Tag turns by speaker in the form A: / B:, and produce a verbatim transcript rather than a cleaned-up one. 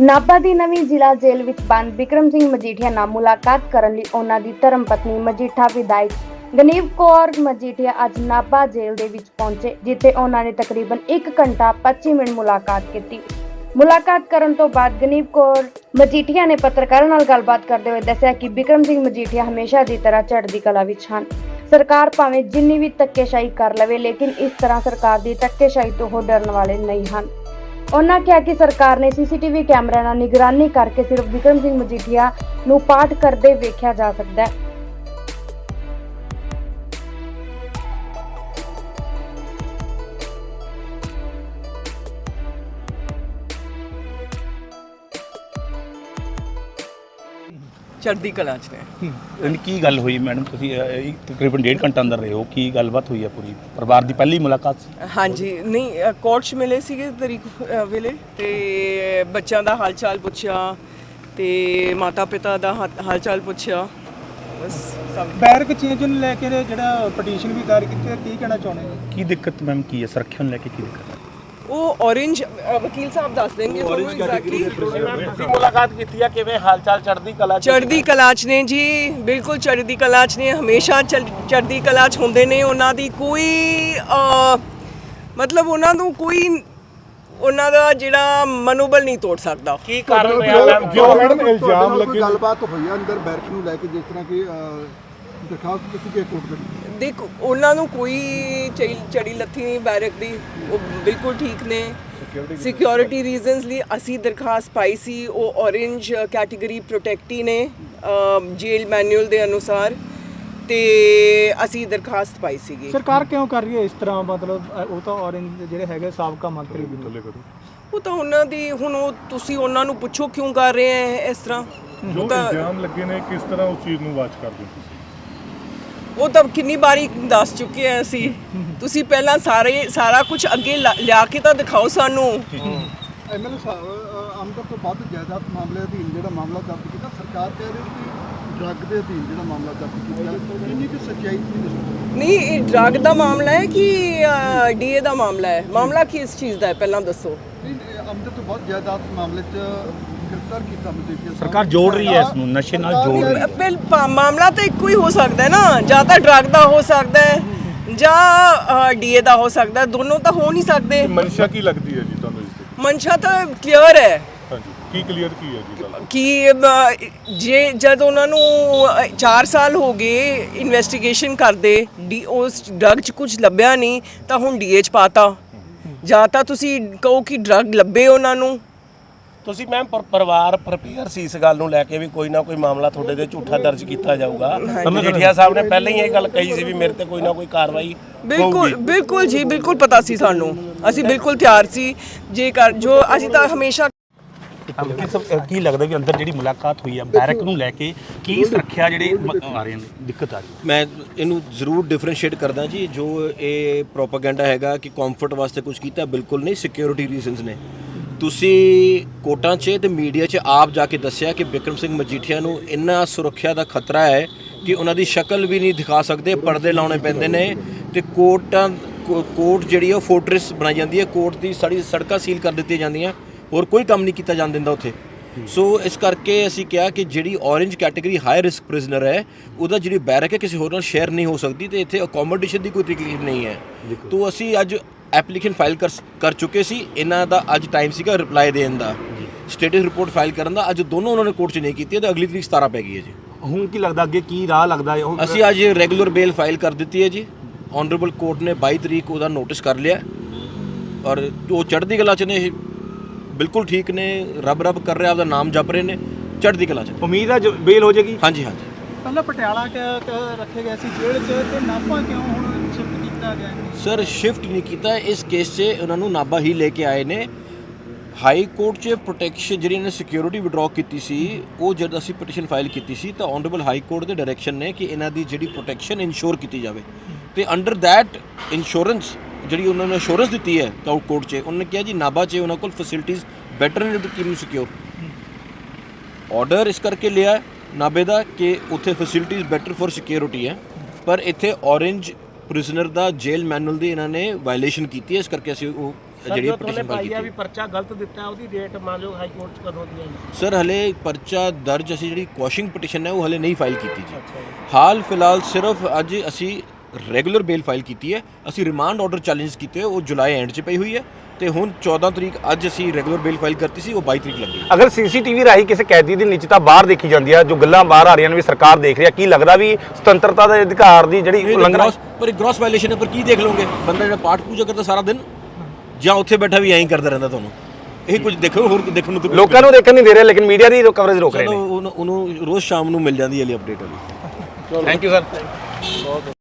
A: ਨਾਭਾ ਦੀ ਨਵੀਂ ਜ਼ਿਲ੍ਹਾ ਜੇਲ੍ਹ ਵਿੱਚ ਬੰਦ ਬਿਕਰਮ ਸਿੰਘ ਮਜੀਠੀਆ ਨਾਲ ਮੁਲਾਕਾਤ ਕਰਨ ਲਈ ਉਹਨਾਂ ਦੀ ਧਰਮ ਪਤਨੀ ਮਜੀਠਾ ਵਿਧਾਇਕ ਗਨੀਵ ਕੌਰ ਮਜੀਠੀਆ ਅੱਜ ਨਾਭਾ ਜੇਲ੍ਹ ਦੇ ਵਿੱਚ ਪਹੁੰਚੇ, ਜਿੱਥੇ ਉਹਨਾਂ ਨੇ ਤਕਰੀਬਨ ਇੱਕ ਘੰਟਾ ਪੱਚੀ ਮਿੰਟ ਮੁਲਾਕਾਤ ਕੀਤੀ। ਮੁਲਾਕਾਤ ਕਰਨ ਤੋਂ ਬਾਅਦ ਗਨੀਵ ਕੌਰ ਮਜੀਠੀਆ ਨੇ ਪੱਤਰਕਾਰਾਂ ਨਾਲ ਗੱਲਬਾਤ ਕਰਦੇ ਹੋਏ ਦੱਸਿਆ ਕਿ ਬਿਕਰਮ ਸਿੰਘ ਮਜੀਠੀਆ ਹਮੇਸ਼ਾ ਦੀ ਤਰ੍ਹਾਂ ਚੜ੍ਹਦੀ ਕਲਾ ਵਿੱਚ ਹਨ। ਸਰਕਾਰ ਭਾਵੇਂ ਜਿੰਨੀ ਵੀ ਧੱਕੇਸ਼ਾਹੀ ਕਰ ਲਵੇ, ਲੇਕਿਨ ਇਸ ਤਰ੍ਹਾਂ ਸਰਕਾਰ ਦੀ ਧੱਕੇਸ਼ਾਹੀ ਤੋਂ ਉਹ ਡਰਨ ਵਾਲੇ ਨਹੀਂ ਹਨ। ਉਹਨਾਂ ਕਿਹਾ ਕਿ ਸਰਕਾਰ ਨੇ ਸੀਸੀਟੀਵੀ ਕੈਮਰਿਆਂ ਨਾਲ ਨਿਗਰਾਨੀ ਕਰਕੇ ਸਿਰਫ ਬਿਕਰਮ ਸਿੰਘ ਮਜੀਠੀਆ ਨੂੰ ਪਾਠ ਕਰਦੇ ਵੇਖਿਆ ਜਾ ਸਕਦਾ ਹੈ।
B: ਚੜ੍ਹਦੀ ਕਲਾ 'ਚ ਨੇ।
C: ਇਹ ਕੀ ਗੱਲ ਹੋਈ ਮੈਡਮ, ਤੁਸੀਂ ਇਹ ਤਕਰੀਬਨ ਡੇਢ ਘੰਟਾ ਅੰਦਰ ਰਹੇ ਹੋ, ਕੀ ਗੱਲਬਾਤ ਹੋਈ ਹੈ? ਪੂਰੀ ਪਰਿਵਾਰ ਦੀ ਪਹਿਲੀ ਮੁਲਾਕਾਤ ਸੀ?
B: ਹਾਂਜੀ, ਨਹੀਂ ਕੋਰਟ 'ਚ ਮਿਲੇ ਸੀਗੇ ਤਰੀਕ ਵੇਲੇ, ਤੇ ਬੱਚਿਆਂ ਦਾ ਹਾਲ ਚਾਲ ਪੁੱਛਿਆ ਤੇ ਮਾਤਾ ਪਿਤਾ ਦਾ ਹਾਲ ਚਾਲ ਪੁੱਛਿਆ। ਬਸ ਸਭ
D: ਬੈਰਕ ਚੇਂਜ ਨੂੰ ਲੈ ਕੇ ਜਿਹੜਾ ਪਟੀਸ਼ਨ ਵੀ ਦਾਇਰ ਕੀਤੀ ਹੈ, ਕੀ ਕਹਿਣਾ ਚਾਹੁੰਦੇ ਹੋ?
C: ਕੀ ਦਿੱਕਤ ਮੈਮ ਕੀ ਹੈ? ਸੁਰੱਖਿਆ ਨੂੰ ਲੈ ਕੇ ਕੀ ਦਿੱਕਤ ਹੈ?
B: ਉਹ ਔਰੇਂਜ ਵਕੀਲ ਸਾਹਿਬ ਦੱਸ ਦੇਣਗੇ ਤੁਹਾਨੂੰ ਐਗਜ਼ੈਕਟਲੀ।
C: ਤੁਸੀਂ ਮੁਲਾਕਾਤ ਕੀਤੀ ਹੈ, ਕਿਵੇਂ ਹਾਲ ਚਾਲ? ਚੜ੍ਹਦੀ ਕਲਾ
B: ਚੜ੍ਹਦੀ ਕਲਾ 'ਚ ਨੇ ਜੀ, ਬਿਲਕੁਲ ਚੜ੍ਹਦੀ ਕਲਾ 'ਚ ਨੇ, ਹਮੇਸ਼ਾ ਚੜ੍ਹਦੀ ਕਲਾ 'ਚ ਹੁੰਦੇ ਨੇ। ਉਹਨਾਂ ਦੀ ਕੋਈ ਮਤਲਬ ਉਹਨਾਂ ਨੂੰ ਕੋਈ ਉਹਨਾਂ ਦਾ ਜਿਹੜਾ ਮਨੋਬਲ ਨਹੀਂ ਤੋੜ ਸਕਦਾ।
C: ਕੀ ਕਾਰਨ ਰਿਹਾ ਮੈਮ?
E: ਜੋ ਮੈਡਮ ਇਲਜ਼ਾਮ ਲੱਗੇ, ਗੱਲਬਾਤ ਹੋਈ ਆ ਅੰਦਰ ਬੈਰਕ ਨੂੰ ਲੈ ਕੇ, ਜਿਸ ਤਰ੍ਹਾਂ ਕਿ ਦਰਖਾਸਤ ਦਿੱਤੀ ਗਈ ਕੋਰਟ ਦੇ।
B: ਦੇਖ, ਉਹਨਾਂ ਨੂੰ ਕੋਈ ਚੜੀ ਲੱਥੀ ਨਹੀਂ ਬੈਰਕ ਦੀ, ਉਹ ਬਿਲਕੁਲ ਠੀਕ ਨੇ। ਸਿਕਿਉਰਿਟੀ ਰੀਜ਼ਨਸ ਲਈ ਅਸੀਂ ਦਰਖਾਸਤ ਪਾਈ ਸੀ। ਉਹ ਔਰੇਂਜ ਕੈਟੇਗਰੀ ਪ੍ਰੋਟੈਕਟੀ ਨੇ ਜੇਲ ਮੈਨੂਅਲ ਦੇ ਅਨੁਸਾਰ, ਤੇ ਅਸੀਂ ਦਰਖਾਸਤ ਪਾਈ ਸੀਗੀ।
D: ਸਰਕਾਰ ਕਿਉਂ ਕਰ ਰਹੀ ਹੈ ਇਸ ਤਰ੍ਹਾਂ? ਮਤਲਬ ਉਹ ਤਾਂ ਔਰੇਂਜ ਜਿਹੜੇ ਹੈਗੇ ਸਾਬਕਾ ਮੰਤਰੀ ਵੀ ਥੱਲੇ ਕਰੋ,
B: ਉਹ ਤਾਂ ਉਹਨਾਂ ਦੀ, ਹੁਣ ਉਹ ਤੁਸੀਂ ਉਹਨਾਂ ਨੂੰ ਪੁੱਛੋ ਕਿਉਂ ਕਰ ਰਹੇ ਹੈ ਇਸ ਤਰ੍ਹਾਂ।
F: ਜੋ ਇਲਜ਼ਾਮ ਲੱਗੇ ਨੇ, ਕਿਸ ਤਰ੍ਹਾਂ ਉਸ ਚੀਜ਼ ਨੂੰ ਵਾਚ ਕਰਦੇ ਹੋ?
B: ਉਹ ਤਾਂ ਕਿੰਨੀ ਵਾਰੀ ਦੱਸ ਚੁੱਕੇ ਆ ਅਸੀਂ। ਤੁਸੀਂ ਪਹਿਲਾਂ ਸਾਰੇ ਸਾਰਾ ਕੁਝ ਅੱਗੇ ਲਿਆ ਕੇ ਤਾਂ ਦਿਖਾਓ ਸਾਨੂੰ।
E: ਐਮਐਲਏ ਸਾਹਿਬ, ਆਮਦਨ ਤੋਂ ਵੱਧ ਜਾਇਦਾਦ ਮਾਮਲੇ ਅਧੀਨ ਜਿਹੜਾ ਮਾਮਲਾ ਦਰਜ ਕੀਤਾ, ਸਰਕਾਰ ਕਹਿ ਰਹੀ ਕਿ ਡਰੱਗ ਦੇ ਅਧੀਨ ਜਿਹੜਾ ਮਾਮਲਾ ਦਰਜ ਕੀਤਾ, ਕਿੰਨੀ ਕੁ ਸੱਚਾਈ ਸੀ?
B: ਨਹੀਂ, ਇਹ ਡਰੱਗ ਦਾ ਮਾਮਲਾ ਹੈ ਕਿ ਡੀਏ ਦਾ ਮਾਮਲਾ ਹੈ? ਮਾਮਲਾ ਕਿਸ ਚੀਜ਼ ਦਾ ਹੈ ਪਹਿਲਾਂ ਦੱਸੋ।
E: ਨਹੀਂ, ਆਮਦਨ ਤੋਂ ਵੱਧ ਜਾਇਦਾਦ ਮਾਮਲੇ 'ਚ ਗ੍ਰਿਫਤਾਰ ਕੀਤਾ ਮਜੀਠੀਆ।
C: ਸਰਕਾਰ ਜੋੜ ਰਹੀ ਹੈ ਇਸ ਨੂੰ, ਨਸ਼ੇ ਨਾਲ ਜੋੜ ਰਹੀ ਹੈ।
B: ਬਿਲ ਮਾਮਲਾ ਤਾਂ ਇੱਕੋ ਹੀ ਹੋ ਸਕਦਾ ਹੈ ਨਾ, ਜਾਂ ਤਾਂ ਡਰੱਗ ਦਾ ਹੋ ਸਕਦਾ ਹੈ ਜਾਂ ਡੀਏ ਦਾ ਹੋ ਸਕਦਾ ਹੈ, ਦੋਨੋਂ ਤਾਂ ਹੋ ਨਹੀਂ ਸਕਦੇ।
F: ਮਨਸ਼ਾ ਕੀ ਲੱਗਦੀ ਹੈ ਜੀ ਤੁਹਾਨੂੰ ਇਸ ਦੀ?
B: ਮਨਸ਼ਾ ਤਾਂ ਕਲੀਅਰ ਹੈ।
F: ਹਾਂਜੀ, ਕੀ ਕਲੀਅਰ ਕੀ ਹੈ ਜੀ ਗੱਲ?
B: ਕਿ ਜੇ ਜਦ ਉਹਨਾਂ ਨੂੰ ਚਾਰ ਸਾਲ ਹੋ ਗਏ ਇਨਵੈਸਟੀਗੇਸ਼ਨ ਕਰਦੇ, ਡੀ ਉਸ ਡਰੱਗ 'ਚ ਕੁਝ ਲੱਭਿਆ ਨਹੀਂ, ਤਾਂ ਹੁਣ ਡੀਏ 'ਚ ਪਾਤਾ। ਜਾਂ ਤਾਂ ਤੁਸੀਂ ਕਹੋ ਕਿ ਡਰੱਗ ਲੱਭੇ ਉਹਨਾਂ ਨੂੰ।
G: ਤੁਸੀਂ ਮੈਮ ਪਰਿਵਾਰ ਪ੍ਰਪੇਅਰ ਸੀ ਇਸ ਗੱਲ ਨੂੰ ਲੈ ਕੇ ਵੀ ਕੋਈ ਨਾ ਕੋਈ ਮਾਮਲਾ ਤੁਹਾਡੇ ਤੇ ਝੂਠਾ ਦਰਜ ਕੀਤਾ ਜਾਊਗਾ? ਮਜੀਠੀਆ ਸਾਹਿਬ ਨੇ ਪਹਿਲਾਂ ਹੀ ਇਹ ਗੱਲ ਕਹੀ ਸੀ ਵੀ ਮੇਰੇ ਤੇ ਕੋਈ ਨਾ ਕੋਈ ਕਾਰਵਾਈ।
B: ਬਿਲਕੁਲ ਬਿਲਕੁਲ ਜੀ, ਬਿਲਕੁਲ ਪਤਾ ਸੀ ਸਾਨੂੰ, ਅਸੀਂ ਬਿਲਕੁਲ ਤਿਆਰ ਸੀ ਜੇਕਰ ਜੋ ਅਸੀਂ ਤਾਂ ਹਮੇਸ਼ਾ।
C: ਕੀ ਲੱਗਦਾ ਵੀ ਅੰਦਰ ਜਿਹੜੀ ਮੁਲਾਕਾਤ ਹੋਈ ਹੈ ਬੈਰਕ ਨੂੰ ਲੈ ਕੇ, ਕੀ ਸੁਰੱਖਿਆ ਜਿਹੜੇ ਆ ਰਹੇ ਨੇ ਦਿੱਕਤ ਆ ਰਹੀ?
G: ਮੈਂ ਇਹਨੂੰ ਜ਼ਰੂਰ ਡਿਫਰੈਂਸ਼ੀਏਟ ਕਰਦਾ ਜੀ। ਜੋ ਇਹ ਪ੍ਰੋਪਾਗੈਂਡਾ ਹੈਗਾ ਕਿ ਕੰਫਰਟ ਵਾਸਤੇ ਕੁਝ ਕੀਤਾ, ਬਿਲਕੁਲ ਨਹੀਂ। ਸਿਕਿਉਰਿਟੀ ਰੀਜ਼ਨਸ ਨੇ। ਤੁਸੀਂ ਕੋਰਟਾਂ 'ਚ ਤੇ ਮੀਡੀਆ 'ਚ ਆਪ ਜਾ ਕੇ ਦੱਸਿਆ ਕਿ ਬਿਕਰਮ ਸਿੰਘ ਮਜੀਠੀਆ ਨੂੰ ਇੰਨਾ ਸੁਰੱਖਿਆ ਦਾ ਖਤਰਾ ਹੈ ਕਿ ਉਹਨਾਂ ਦੀ ਸ਼ਕਲ ਵੀ ਨਹੀਂ ਦਿਖਾ ਸਕਦੇ, ਪਰਦੇ ਲਾਉਣੇ ਪੈਂਦੇ ਨੇ। ਤੇ ਕੋਰਟਾਂ ਕੋਰਟ ਜਿਹੜੀ ਉਹ ਫੋਰਟ੍ਰੈਸ ਬਣਾਈ ਜਾਂਦੀ ਹੈ, ਕੋਰਟ ਦੀ ਸਾਰੀ ਸੜਕਾਂ ਸੀਲ ਕਰ ਦਿੱਤੀਆਂ ਜਾਂਦੀਆਂ, ਹੋਰ ਕੋਈ ਕੰਮ ਨਹੀਂ ਕੀਤਾ ਜਾਣ ਦਿੰਦਾ ਉੱਥੇ। ਸੋ ਇਸ ਕਰਕੇ ਅਸੀਂ ਕਿਹਾ ਕਿ ਜਿਹੜੀ orange category high risk prisoner ਹੈ, ਉਹਦਾ ਜਿਹੜੀ ਬੈਰਕ ਹੈ ਕਿਸੇ ਹੋਰ ਨਾਲ ਸ਼ੇਅਰ ਨਹੀਂ ਹੋ ਸਕਦੀ, ਤੇ ਇੱਥੇ ਅਕੋਮੋਡੇਸ਼ਨ ਦੀ ਕੋਈ ਤਕਲੀਫ ਨਹੀਂ ਹੈ। ਤੋ ਅਸੀਂ ਅੱਜ ਐਪਲੀਕੇਸ਼ਨ ਫਾਈਲ ਕਰ ਕਰ ਚੁੱਕੇ ਸੀ। ਇਹਨਾਂ ਦਾ ਅੱਜ ਟਾਈਮ ਸੀਗਾ ਰਿਪਲਾਈ ਦੇਣ ਦਾ, ਸਟੇਟਸ ਰਿਪੋਰਟ ਫਾਈਲ ਕਰਨ ਦਾ। ਅੱਜ ਦੋਨੋਂ ਉਹਨਾਂ ਨੇ ਕੋਰਟ 'ਚ ਨਹੀਂ ਕੀਤੀ ਹੈ, ਤੇ ਅਗਲੀ ਤਰੀਕ ਸਤਾਰਾਂ ਪੈ ਗਈ ਹੈ ਜੀ।
C: ਹੁਣ ਕੀ ਲੱਗਦਾ ਅੱਗੇ ਕੀ ਰਾਹ ਲੱਗਦਾ ਹੈ?
G: ਅਸੀਂ ਅੱਜ ਰੈਗੂਲਰ ਬੇਲ ਫਾਈਲ ਕਰ ਦਿੱਤੀ ਹੈ ਜੀ। ਆਨਰੇਬਲ ਕੋਰਟ ਨੇ ਬਾਈ ਤਰੀਕ ਉਹਦਾ ਨੋਟਿਸ ਕਰ ਲਿਆ, ਔਰ ਉਹ ਚੜ੍ਹਦੀ ਕਲਾ 'ਚ ਨੇ, ਬਿਲਕੁਲ ਠੀਕ ਨੇ, ਰੱਬ ਰੱਬ ਕਰ ਰਿਹਾ, ਆਪਦਾ ਨਾਮ ਜਪ ਰਹੇ ਨੇ, ਚੜ੍ਹਦੀ ਕਲਾ 'ਚ।
C: ਉਮੀਦ ਹੈ ਬੇਲ ਹੋ ਜਾਏਗੀ?
G: ਹਾਂਜੀ ਹਾਂਜੀ।
D: ਪਹਿਲਾਂ ਪਟਿਆਲਾ ਰੱਖੇ ਗਏ ਸੀ ਜੇਲ੍ਹ 'ਚ, ਤੇ ਨਾਭਾ ਕਿਉਂ ਹੁਣ ਸ਼ਿਫਟ ਕੀਤਾ ਗਿਆ?
G: ਸਰ, ਸ਼ਿਫਟ ਨਹੀਂ ਕੀਤਾ, ਇਸ ਕੇਸ 'ਚ ਉਹਨਾਂ ਨੂੰ ਨਾਭਾ ਹੀ ਲੈ ਕੇ ਆਏ ਨੇ। ਹਾਈ ਕੋਰਟ 'ਚ ਪ੍ਰੋਟੈਕਸ਼ਨ ਜਿਹੜੀ ਇਹਨੇ ਸਿਕਿਉਰਿਟੀ ਵਿਡਰਾਅ ਕੀਤੀ ਸੀ, ਉਹ ਜਦ ਅਸੀਂ ਪਟੀਸ਼ਨ ਫਾਈਲ ਕੀਤੀ ਸੀ ਤਾਂ ਆਨਰੇਬਲ ਹਾਈ ਕੋਰਟ ਦੇ ਡਾਇਰੈਕਸ਼ਨ ਨੇ ਕਿ ਇਹਨਾਂ ਦੀ ਜਿਹੜੀ ਪ੍ਰੋਟੈਕਸ਼ਨ ਇਨਸ਼ੋਰ ਕੀਤੀ ਜਾਵੇ, ਤੇ ਅੰਡਰ ਦੈਟ ਇੰਸ਼ੋਰੈਂਸ ਜਿਹੜੀ ਉਹਨਾਂ ਨੇ ਇੰਸ਼ੋਰੈਂਸ ਦਿੱਤੀ ਹੈ ਕੋਰਟ 'ਚ, ਉਹਨਾਂ ਨੇ ਕਿਹਾ ਜੀ ਨਾਭਾ 'ਚ ਉਹਨਾਂ ਕੋਲ ਫੈਸਿਲਿਟੀਜ਼ ਬੈਟਰ ਨੇ to keep you secure. Order ਇਸ ਕਰਕੇ ਲਿਆ ਨਾਭੇ ਦਾ ਕਿ ਉੱਥੇ ਫੈਸਿਲਿਟੀਜ਼ ਬੈਟਰ ਫॉर ਸਿਕਿਉਰਿਟੀ ਹੈ, ਪਰ ਇੱਥੇ ਔਰੇਂਜ ਪ੍ਰਿਜ਼ਨਰ ਦਾ ਜੇਲ ਮੈਨੂਅਲ ਦੀ ਇਹਨਾਂ ਨੇ ਵਾਇਲੇਸ਼ਨ ਕੀਤੀ ਹੈ, ਇਸ ਕਰਕੇ ਅਸੀਂ ਉਹ ਜਿਹੜੀ ਪਟੀਸ਼ਨ ਫਾਈਲ ਕੀਤੀ
C: ਪਰਚਾ ਗਲਤ ਦਿੱਤਾ ਉਹਦੀ ਡੇਟ ਮੰਨ ਲਓ ਹਾਈ ਕੋਰਟ ਚ ਕਦੋਂ ਦੀ ਹੈ?
G: ਸਰ ਹਲੇ ਪਰਚਾ ਦਰਜ ਅਸੀਂ ਜਿਹੜੀ ਕੁਐਸ਼ਿੰਗ ਪਟੀਸ਼ਨ ਹੈ ਉਹ ਹਲੇ ਨਹੀਂ ਫਾਈਲ ਕੀਤੀ ਜੀ। ਹਾਲ ਫਿਲਹਾਲ ਸਿਰਫ ਅੱਜ ਅਸੀਂ ਰੈਗੂਲਰ ਬੇਲ ਫਾਈਲ ਕੀਤੀ ਹੈ। ਅਸੀਂ ਰਿਮਾਂਡ ਆਰਡਰ ਚੈਲੰਜ ਕੀਤੇ ਹੋਏ, ਉਹ ਜੁਲਾਈ ਐਂਡ 'ਚ ਪਈ ਹੋਈ ਹੈ ਤੇ ਹੁਣ ਚੌਦਾਂ ਤਰੀਕ ਅੱਜ ਅਸੀਂ ਰੈਗੂਲਰ ਬੇਲ ਫਾਈਲ ਕਰਤੀ ਸੀ, ਉਹ ਬਾਈ ਤਰੀਕ ਲੱਗੀ।
H: ਅਗਰ ਸੀਸੀਟੀਵੀ ਰਾਹੀਂ ਕਿਸੇ ਕੈਦੀ ਦੀ ਨਿੱਜਤਾ ਬਾਹਰ ਦੇਖੀ ਜਾਂਦੀ ਹੈ, ਜੋ ਗੱਲਾਂ ਬਾਹਰ ਆ ਰਹੀਆਂ ਨੇ ਵੀ ਸਰਕਾਰ ਦੇਖ ਰਹੀ ਹੈ, ਕੀ ਲੱਗਦਾ ਵੀ ਸੁਤੰਤਰਤਾ ਦੇ ਅਧਿਕਾਰ ਦੀ ਜਿਹੜੀ ਉਲੰਘਣਾ?
G: ਪਰ ਗ੍ਰੋਸ ਵਾਇਲੇਸ਼ਨ ਹੈ, ਪਰ ਕੀ ਦੇਖ ਲਓਗੇ? ਬੰਦਾ ਜਿਹੜਾ ਪਾਠ ਪੂਜਾ ਕਰਦਾ ਸਾਰਾ ਦਿਨ ਜਾਂ ਉੱਥੇ ਬੈਠਾ ਵੀ ਐਂ ਹੀ ਕਰਦਾ ਰਹਿੰਦਾ, ਤੁਹਾਨੂੰ ਇਹ ਕੁਝ ਦੇਖੋ ਹੋਰ ਦੇਖਣ ਨੂੰ ਤਾਂ
H: ਲੋਕਾਂ ਨੂੰ ਦੇਖਣ ਨਹੀਂ ਦੇ ਰਹੇ, ਲੇਕਿਨ ਮੀਡੀਆ ਦੀ ਕਵਰੇਜ ਰੋਕ ਰਹੇ ਨੇ।
G: ਉਹਨੂੰ ਉਹਨੂੰ ਰੋਜ਼ ਸ਼ਾਮ ਨੂੰ ਮਿਲ ਜਾਂਦੀ ਹੈ ਲਈ ਅਪਡੇਟ ਵਾਲੀ।
H: Thank you sir.